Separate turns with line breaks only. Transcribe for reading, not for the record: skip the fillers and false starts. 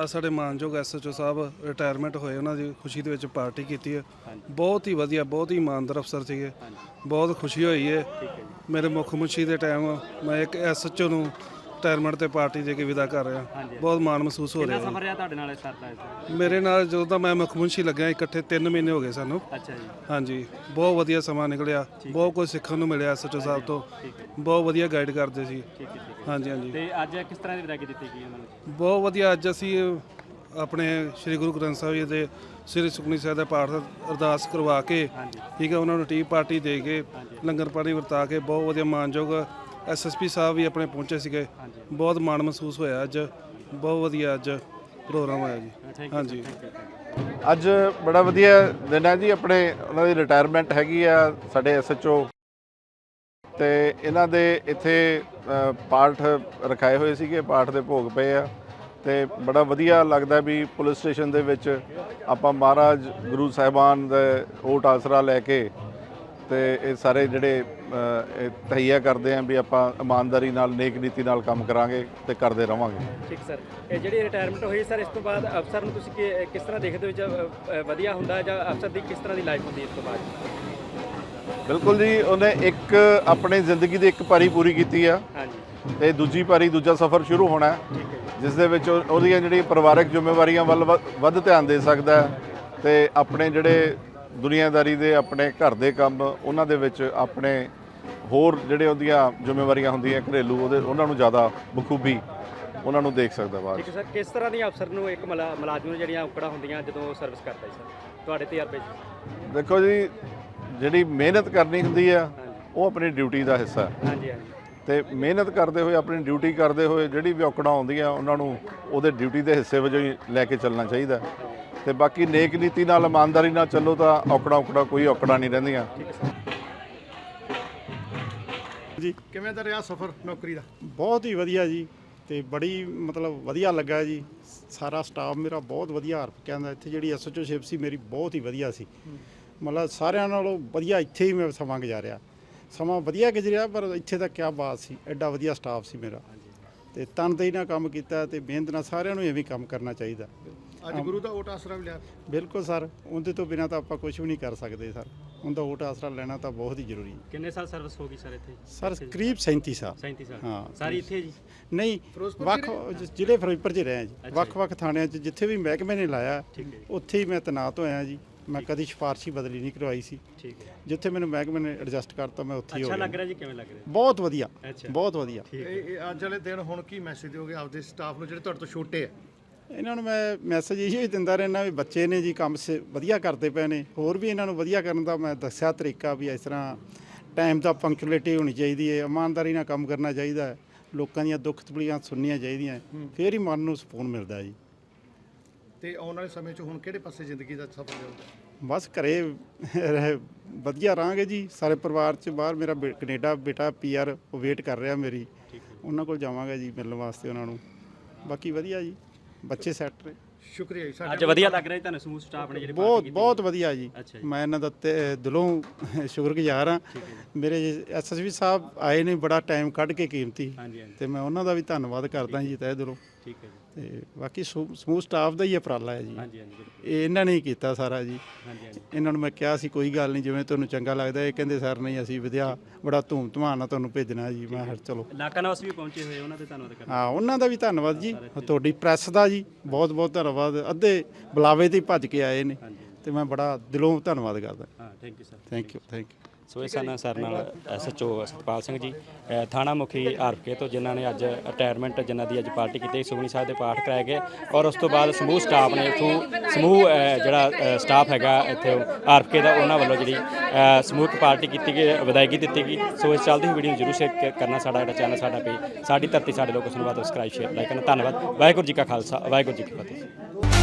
ਸਾਡੇ ਮਾਨਯੋਗ ਐਸਐਚਓ ਸਾਹਿਬ ਰਿਟਾਇਰਮੈਂਟ ਹੋਏ, ਉਹਨਾਂ ਦੀ ਖੁਸ਼ੀ ਦੇ ਵਿੱਚ ਪਾਰਟੀ ਕੀਤੀ ਹੈ। ਬਹੁਤ ਹੀ ਵਧੀਆ, ਬਹੁਤ ਹੀ ਇਮਾਨਦਾਰ ਅਫਸਰ ਸੀਗੇ, ਬਹੁਤ ਖੁਸ਼ੀ ਹੋਈ ਹੈ। ਮੇਰੇ ਮੁੱਖ ਮੁਨਸ਼ੀ ਦੇ ਟਾਈਮ ਮੈਂ ਇੱਕ ਐਸਐਚਓ ਨੂੰ ਰਿਟਾਇਰਮੈਂਟ ਤੇ ਪਾਰਟੀ ਦੇ ਕੇ ਵਿਦਾ ਕਰ ਰਿਹਾ, ਬਹੁਤ ਮਾਣ ਮਹਿਸੂਸ ਹੋ ਰਿਹਾ।
ਸਫ਼ਰ ਰਿਹਾ ਤੁਹਾਡੇ ਨਾਲ ਇਸ ਤਰ੍ਹਾਂ?
ਮੇਰੇ ਨਾਲ ਜਦੋਂ ਤਾਂ ਮੈਂ ਮੁੱਖ ਮੁਨਸ਼ੀ ਲੱਗਿਆ ਇਕੱਠੇ 3 ਮਹੀਨੇ ਹੋ ਗਏ ਸਾਨੂੰ।
ਅੱਛਾ ਜੀ।
ਹਾਂਜੀ, ਬਹੁਤ ਵਧੀਆ ਸਮਾਂ ਨਿਕਲਿਆ, ਬਹੁਤ ਕੁਝ ਸਿੱਖਣ ਨੂੰ ਮਿਲਿਆ ਐਸਐਚਓ ਸਾਹਿਬ ਤੋਂ, ਬਹੁਤ ਵਧੀਆ ਗਾਈਡ ਕਰਦੇ ਸੀ। ਹਾਂਜੀ ਹਾਂਜੀ।
ਤੇ ਅੱਜ ਕਿਸ ਤਰ੍ਹਾਂ ਦੀ ਵਿਦਾਇਗੀ ਦਿੱਤੀ ਗਈ ਉਹਨਾਂ ਨੂੰ?
ਬਹੁਤ ਵਧੀਆ। ਅੱਜ ਅਸੀਂ ਆਪਣੇ ਸ੍ਰੀ ਗੁਰੂ ਗ੍ਰੰਥ ਸਾਹਿਬ ਜੀ ਦੇ ਸ੍ਰੀ ਸੁਖਮਨੀ ਸਾਹਿਬ ਦਾ ਪਾਠ ਅਰਦਾਸ ਕਰਵਾ ਕੇ, ਠੀਕ ਹੈ, ਉਹਨਾਂ ਨੂੰ ਟੀ ਪਾਰਟੀ ਦੇ ਕੇ ਲੰਗਰ ਪਾਣੀ ਵਰਤਾ ਕੇ, ਬਹੁਤ ਵਧੀਆ ਮਾਨਯੋਗ ਐਸਐਸਪੀ ਸਾਹਿਬ ਵੀ ਆਪਣੇ ਪਹੁੰਚੇ ਸੀਗੇ, ਬਹੁਤ ਮਾਣ ਮਹਿਸੂਸ ਹੋਇਆ। ਅੱਜ ਬਹੁਤ ਵਧੀਆ ਅੱਜ ਪ੍ਰੋਗਰਾਮ ਹੋਇਆ ਜੀ। ਹਾਂਜੀ,
ਅੱਜ ਬੜਾ ਵਧੀਆ ਦਿਨ ਹੈ ਜੀ। ਆਪਣੇ ਉਹਨਾਂ ਦੀ ਰਿਟਾਇਰਮੈਂਟ ਹੈਗੀ ਆ ਸਾਡੇ ਐਸਐਚਓ, ਤੇ ਇਹਨਾਂ ਦੇ ਇੱਥੇ ਪਾਠ ਰਖਾਏ ਹੋਏ ਸੀਗੇ, ਪਾਠ ਦੇ ਭੋਗ ਪਏ ਆ, ਤੇ ਬੜਾ ਵਧੀਆ ਲੱਗਦਾ ਵੀ ਪੁਲਿਸ ਸਟੇਸ਼ਨ ਦੇ ਵਿੱਚ ਆਪਾਂ ਮਹਾਰਾਜ ਗੁਰੂ ਸਾਹਿਬਾਨ ਦਾ ਓਟ ਆਸਰਾ ਲੈ ਕੇ ਤੇ ਇਹ ਸਾਰੇ ਜਿਹੜੇ ਤਹਈਆ ਕਰਦੇ ਆਂ ਵੀ ਆਪਾਂ ਇਮਾਨਦਾਰੀ ਨਾਲ, ਨੇਕ ਨੀਤੀ ਨਾਲ ਕੰਮ ਕਰਾਂਗੇ ਤੇ ਕਰਦੇ ਰਵਾਂਗੇ।
ਠੀਕ ਸਰ। ਇਹ ਜਿਹੜੀ ਰਿਟਾਇਰਮੈਂਟ ਹੋਈ ਸਰ, ਇਸ ਤੋਂ ਬਾਅਦ ਅਫਸਰ ਨੂੰ ਤੁਸੀਂ ਕਿਸ ਤਰ੍ਹਾਂ ਦੇਖਦੇ ਹੋ? ਵਧੀਆ ਹੁੰਦਾ ਜਾਂ ਅਫਸਰ ਦੀ ਕਿਸ ਤਰ੍ਹਾਂ ਦੀ ਲਾਈਫ ਹੁੰਦੀ ਇਸ ਤੋਂ ਬਾਅਦ?
ਬਿਲਕੁਲ ਜੀ, ਉਹਨੇ ਇੱਕ ਆਪਣੀ ਜ਼ਿੰਦਗੀ ਦੀ ਇੱਕ ਪਾਰੀ ਪੂਰੀ ਕੀਤੀ ਆ, ਤੇ ਦੂਜੀ ਪਾਰੀ, ਦੂਜਾ ਸਫ਼ਰ ਸ਼ੁਰੂ ਹੋਣਾ, ਜਿਸ ਦੇ ਵਿੱਚ ਉਹਦੀਆਂ ਜਿਹੜੀਆਂ ਪਰਿਵਾਰਕ ਜ਼ਿੰਮੇਵਾਰੀਆਂ ਵੱਲ ਵੱਧ ਧਿਆਨ ਦੇ ਸਕਦਾ, ਤੇ ਆਪਣੇ ਜਿਹੜੇ ਦੁਨੀਆਦਾਰੀ ਦੇ ਆਪਣੇ ਘਰ ਦੇ ਕੰਮ, ਉਹਨਾਂ ਦੇ ਵਿੱਚ ਆਪਣੇ ਹੋਰ ਜਿਹੜੇ ਉਹਦੀਆਂ ਜ਼ਿੰਮੇਵਾਰੀਆਂ ਹੁੰਦੀਆਂ ਘਰੇਲੂ, ਉਹਨਾਂ ਨੂੰ ਜ਼ਿਆਦਾ ਬਖੂਬੀ ਉਹਨਾਂ ਨੂੰ ਦੇਖ ਸਕਦਾ ਬਾਅਦ।
ਠੀਕ ਸਰ। ਕਿਸ ਤਰ੍ਹਾਂ ਦੀ ਅਫਸਰ ਨੂੰ ਇੱਕ ਮੁਲਾਜ਼ਮ ਨੂੰ ਜਿਹੜੀਆਂ ਔਕੜਾਂ ਹੁੰਦੀਆਂ ਜਦੋਂ ਸਰਵਿਸ ਕਰਦਾ ਹੈ ਸਰ, ਤੁਹਾਡੇ ਤਜਰਬੇ 'ਚ?
ਦੇਖੋ ਜੀ, ਜਿਹੜੀ ਮਿਹਨਤ ਕਰਨੀ ਹੁੰਦੀ ਆ ਉਹ ਆਪਣੀ ਡਿਊਟੀ ਦਾ ਹਿੱਸਾ ਹੈ।
ਹਾਂਜੀ ਹਾਂਜੀ।
ਤੇ ਮਿਹਨਤ ਕਰਦੇ ਹੋਏ, ਆਪਣੀ ਡਿਊਟੀ ਕਰਦੇ ਹੋਏ ਜਿਹੜੀ ਵੀ ਔਕੜਾਂ ਆਉਂਦੀਆਂ ਉਹਨਾਂ ਨੂੰ ਉਹਦੇ ਡਿਊਟੀ ਦੇ ਹਿੱਸੇ ਵਜੋਂ ਹੀ ਲੈ ਕੇ ਚੱਲਣਾ ਚਾਹੀਦਾ, ਤੇ ਬਾਕੀ ਨੇਕ ਨੀਤੀ ਨਾਲ, ਇਮਾਨਦਾਰੀ ਨਾਲ ਚੱਲੋ ਤਾਂ ਔਕੜਾਂ ਕੋਈ ਔਕੜਾਂ ਨਹੀਂ ਰਹਿੰਦੀਆਂ
ਜੀ। ਕਿਵੇਂ ਦਾ ਰਿਹਾ ਸਫ਼ਰ ਨੌਕਰੀ ਦਾ?
ਬਹੁਤ ਹੀ ਵਧੀਆ ਜੀ, ਤੇ ਬੜੀ ਮਤਲਬ ਵਧੀਆ ਲੱਗਾ ਜੀ। ਸਾਰਾ ਸਟਾਫ ਮੇਰਾ ਬਹੁਤ ਵਧੀਆ ਹਰਪਕਿਆਂ ਦਾ, ਇੱਥੇ ਜਿਹੜੀ ਐਸਓਚਓਸ਼ਿਪ ਸੀ ਮੇਰੀ ਬਹੁਤ ਹੀ ਵਧੀਆ ਸੀ, ਮਤਲਬ ਸਾਰਿਆਂ ਨਾਲੋਂ ਵਧੀਆ ਇੱਥੇ ਹੀ ਮੈਂ ਸਮਾਂ ਗੁਜ਼ਾਰਿਆ। ਸਮਾਂ ਵਧੀਆ ਗੁਜ਼ਰਿਆ, ਪਰ ਇੱਥੇ ਤਾਂ ਕਿਆ ਬਾਤ ਸੀ, ਐਡਾ ਵਧੀਆ ਸਟਾਫ ਸੀ ਮੇਰਾ, ਤੇ ਤਨਦੇਹੀ ਨਾਲ ਕੰਮ ਕੀਤਾ ਤੇ ਮਿਹਨਤ ਨਾਲ। ਸਾਰਿਆਂ ਨੂੰ ਐਵੇਂ ਕੰਮ ਕਰਨਾ ਚਾਹੀਦਾ।
ਅੱਜ ਗੁਰੂ ਦਾ ਓਟ ਆਸਰਾ ਵੀ ਲਿਆ?
ਬਿਲਕੁਲ ਸਰ, ਉਹਦੇ ਤੋਂ ਬਿਨਾਂ ਤਾਂ ਆਪਾਂ ਕੁਝ ਵੀ ਨਹੀਂ ਕਰ ਸਕਦੇ ਸਰ। ਉਹਦਾ ਓਟ ਆਸਰਾ ਲੈਣਾ ਤਾਂ ਬਹੁਤ ਹੀ ਜ਼ਰੂਰੀ ਹੈ।
ਕਿੰਨੇ ਸਾਲ ਸਰਵਿਸ ਹੋ ਗਈ ਸਰ ਇੱਥੇ?
ਸਰ ਕਰੀਬ 37 ਸਾਲ।
37 ਸਾਲ।
ਹਾਂ,
ਸਾਰੀ ਇੱਥੇ ਜੀ?
ਨਹੀਂ, ਵੱਖ ਜ਼ਿਲ੍ਹੇ ਫਿਰੋਜ਼ਪੁਰ 'ਚ ਰਹੇ ਜੀ। ਵੱਖ-ਵੱਖ ਥਾਣਿਆਂ 'ਚ ਜਿੱਥੇ ਵੀ ਮਹਿਕਮੇ ਨੇ ਲਾਇਆ ਉੱਥੇ ਹੀ ਮੈਂ ਤੈਨਾਤ ਹੋਇਆ ਜੀ। ਮੈਂ ਕਦੀ ਸਿਫਾਰਸ਼ੀ ਬਦਲੀ ਨਹੀਂ ਕਰਵਾਈ ਸੀ।
ਠੀਕ ਹੈ।
ਜਿੱਥੇ ਮੈਨੂੰ ਮਹਿਕਮੇ ਨੇ ਐਡਜਸਟ ਕਰਤਾ ਮੈਂ ਉੱਥੇ ਹੀ ਹੋ ਗਿਆ।
ਅੱਛਾ ਲੱਗ ਰਿਹਾ ਜੀ? ਕਿਵੇਂ ਲੱਗ ਰਿਹਾ?
ਬਹੁਤ ਵਧੀਆ, ਬਹੁਤ ਵਧੀਆ।
ਇਹ ਅੱਜ ਵਾਲੇ ਦਿਨ ਹੁਣ ਕੀ ਮੈਸੇਜ ਦਿਓਗੇ ਆਪਦੇ ਸਟਾਫ ਨੂੰ ਜਿਹੜੇ ਤੁਹਾਡੇ ਤੋਂ ਛੋਟੇ ਆ?
ਇਹਨਾਂ ਨੂੰ ਮੈਂ ਮੈਸੇਜ ਇਹੀ ਦਿੰਦਾ ਰਹਿਣਾ ਵੀ ਬੱਚੇ ਨੇ ਜੀ, ਕੰਮ ਵਧੀਆ ਕਰਦੇ ਪਏ ਨੇ, ਹੋਰ ਵੀ ਇਹਨਾਂ ਨੂੰ ਵਧੀਆ ਕਰਨ ਦਾ ਮੈਂ ਦੱਸਿਆ ਤਰੀਕਾ ਵੀ ਇਸ ਤਰ੍ਹਾਂ ਟਾਈਮ ਦਾ ਪੰਕਚੁਅਲਿਟੀ ਹੋਣੀ ਚਾਹੀਦੀ ਹੈ, ਇਮਾਨਦਾਰੀ ਨਾਲ ਕੰਮ ਕਰਨਾ ਚਾਹੀਦਾ ਹੈ, ਲੋਕਾਂ ਦੀਆਂ ਦੁੱਖ ਤਕਲੀਫਾਂ ਸੁਣਨੀਆਂ ਚਾਹੀਦੀਆਂ, ਫਿਰ ਹੀ ਮਨ ਨੂੰ ਸਕੂਨ ਮਿਲਦਾ ਜੀ।
ਤੇ ਆਉਣ ਵਾਲੇ ਸਮੇਂ 'ਚ ਹੁਣ ਕਿਹੜੇ ਪਾਸੇ ਜ਼ਿੰਦਗੀ ਦਾ ਸਫ਼ਰ ਜਾਊਗਾ?
ਬਸ ਘਰੇ ਵਧੀਆ ਰਹਾਂਗੇ ਜੀ ਸਾਰੇ ਪਰਿਵਾਰ 'ਚ। ਬਾਹਰ ਮੇਰਾ ਕੈਨੇਡਾ ਬੇਟਾ PR ਉਹ ਵੇਟ ਕਰ ਰਿਹਾ ਮੇਰੀ, ਉਹਨਾਂ ਕੋਲ ਜਾਵਾਂਗਾ ਜੀ ਮਿਲਣ ਵਾਸਤੇ ਉਹਨਾਂ ਨੂੰ। ਬਾਕੀ ਵਧੀਆ ਜੀ, ਬੱਚੇ ਸੈੱਟ ਨੇ।
ਸ਼ੁਕਰੀਆ ਜੀ।
ਅੱਜ ਵਧੀਆ ਲੱਗ ਰਿਹਾ ਜੀ ਤੁਹਾਨੂੰ ਸਮੂਹ ਸਟਾਫ ਨੇ ਜਿਹੜੇ
ਬਹੁਤ ਵਧੀਆ ਜੀ। ਮੈਂ ਇਹਨਾਂ ਦਾ ਦਿਲੋਂ ਸ਼ੁਕਰਗੁਜ਼ਾਰ ਹਾਂ। ਮੇਰੇ SSP ਸਾਹਿਬ ਆਏ ਨੇ ਬੜਾ ਟਾਈਮ ਕੱਢ ਕੇ ਕੀਮਤੀ, ਤੇ ਮੈਂ ਉਹਨਾਂ ਦਾ ਵੀ ਧੰਨਵਾਦ ਕਰਦਾ ਜੀ ਤਹਿ ਦਿਲੋਂ।
ਠੀਕ ਹੈ ਜੀ।
ਤੇ ਬਾਕੀ ਸਮੂਹ ਸਟਾਫ ਦਾ ਹੀ ਉਪਰਾਲਾ ਹੈ ਜੀ, ਇਹ ਇਹਨਾਂ ਨੇ ਹੀ ਕੀਤਾ ਸਾਰਾ ਜੀ। ਇਹਨਾਂ ਨੂੰ ਮੈਂ ਕਿਹਾ ਸੀ ਕੋਈ ਗੱਲ ਨਹੀਂ, ਜਿਵੇਂ ਤੁਹਾਨੂੰ ਚੰਗਾ ਲੱਗਦਾ। ਇਹ ਕਹਿੰਦੇ ਸਰ ਨਹੀਂ, ਅਸੀਂ ਵਧੀਆ ਬੜਾ ਧੂਮ ਧਮਾਨ ਨਾਲ ਤੁਹਾਨੂੰ ਭੇਜਣਾ ਜੀ। ਮੈਂ ਚਲੋ।
ਇਲਾਕਾ ਨਿਵਾਸੀ ਵੀ ਪਹੁੰਚੇ ਹੋਏ, ਉਹਨਾਂ ਦੇ ਧੰਨਵਾਦ ਕਰਦਾ।
ਹਾਂ, ਉਹਨਾਂ ਦਾ ਵੀ ਧੰਨਵਾਦ ਜੀ। ਤੁਹਾਡੀ ਪ੍ਰੈਸ ਦਾ ਜੀ ਬਹੁਤ ਬਹੁਤ ਧੰਨਵਾਦ। ਅੱਧੇ ਬੁਲਾਵੇ ਤੇ ਭੱਜ ਕੇ ਆਏ ਨੇ, ਤੇ ਮੈਂ ਬੜਾ ਦਿਲੋਂ ਧੰਨਵਾਦ ਕਰਦਾ।
ਹਾਂ, thank you sir.
Thank you.
So ਇਹ ਸਨ ਸਰ ਨਾਲ SHO ਸਤਪਾਲ ਸਿੰਘ ਜੀ, ਥਾਣਾ ਮੁਖੀ RPK ਤੋਂ, ਜਿਨ੍ਹਾਂ ਨੇ ਅੱਜ ਰਿਟਾਇਰਮੈਂਟ, ਜਿਨ੍ਹਾਂ ਦੀ ਅੱਜ ਪਾਰਟੀ ਕੀਤੀ। ਸੁਖਮਨੀ ਸਾਹਿਬ ਦੇ ਪਾਠ ਕਰਾਏ ਗਏ, ਔਰ ਉਸ ਤੋਂ ਬਾਅਦ ਸਮੂਹ ਸਟਾਫ ਨੇ ਇੱਥੋਂ, ਸਮੂਹ ਜਿਹੜਾ ਸਟਾਫ ਹੈਗਾ ਇੱਥੇ RPK ਦਾ, ਉਹਨਾਂ ਵੱਲੋਂ ਜਿਹੜੀ ਸਮੂਹਕ ਪਾਰਟੀ ਕੀਤੀ ਗਈ, ਵਿਦਾਇਗੀ ਦਿੱਤੀ ਗਈ। ਸੋ ਇਸ ਚੱਲਦੀ ਹੋਈ ਵੀਡੀਓ ਨੂੰ ਜ਼ਰੂਰ ਸ਼ੇਅਰ ਕਰਨਾ। ਸਾਡਾ ਜਿਹੜਾ ਚੈਨਲ, ਸਾਡਾ ਪੇਜ ਸਾਡੀ ਧਰਤੀ ਸਾਡੇ ਲੋਕ, ਉਸ ਨੂੰ ਬਾਅਦ ਸਬਸਕ੍ਰਾਈਬ, ਸ਼ੇਅਰ, ਲਾਈਕ ਕਰਨਾ। ਧੰਨਵਾਦ। ਵਾਹਿਗੁਰੂ ਜੀ ਕਾ ਖਾਲਸਾ, ਵਾਹਿਗੁਰੂ ਜੀ ਕੀ ਫਤਿਹ।